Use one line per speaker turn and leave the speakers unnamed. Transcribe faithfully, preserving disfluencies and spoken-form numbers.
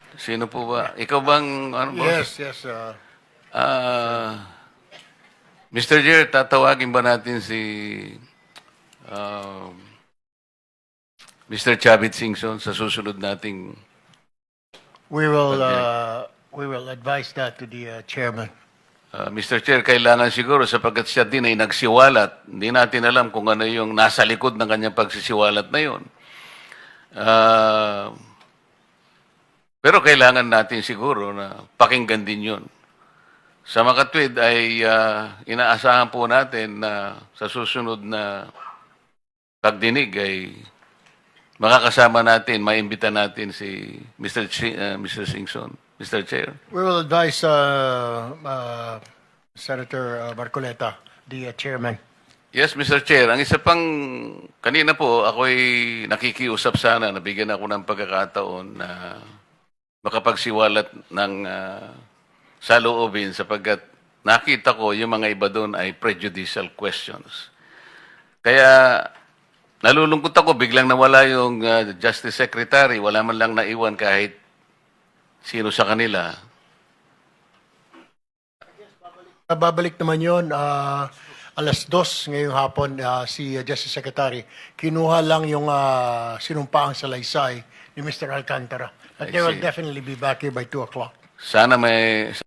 Sino po ba? Ikaw bang, ano boss?
Yes, yes. Uh,
Ah, mister Chair, tatawagin ba natin si um, mister Chavit Singson sa susunod nating
we will
Pagdinig.
uh, we will advise that to the uh, chairman.
ah, mister Chair, kailangan siguro sapagkat siya din ay nagsiwalat. Hindi natin alam kung ano yung nasa likod ng kanyang pagsisiwalat na yun. Ah, pero kailangan natin siguro na pakinggan din yun. Sa makatwid ay ah, inaasahan po natin na sa susunod na pagdinig ay makakasama natin, maimbita natin si mister Chi, uh, mister Singson, mister Chair.
We will advise uh, uh, Senator uh, Marcoleta, the uh, chairman.
Yes, mister Chair. Ang isa pang, kanina po, ako'y nakikiusap sana, nabigyan ako ng pagkakataon na makapagsiwalat ng uh, saloobin sapagkat nakita ko yung mga iba doon ay prejudicial questions. Kaya nalulungkot ako, biglang nawala yung uh, Justice Secretary, wala man lang naiwan kahit sino sa kanila.
Uh, babalik naman yon uh, alas dos ngayong hapon uh, si uh, Justice Secretary. Kinuha lang yung uh, sinumpaang salaysay ni Mister Alcantara. But
I
they will
see.
definitely be back here by two o'clock.
Sana may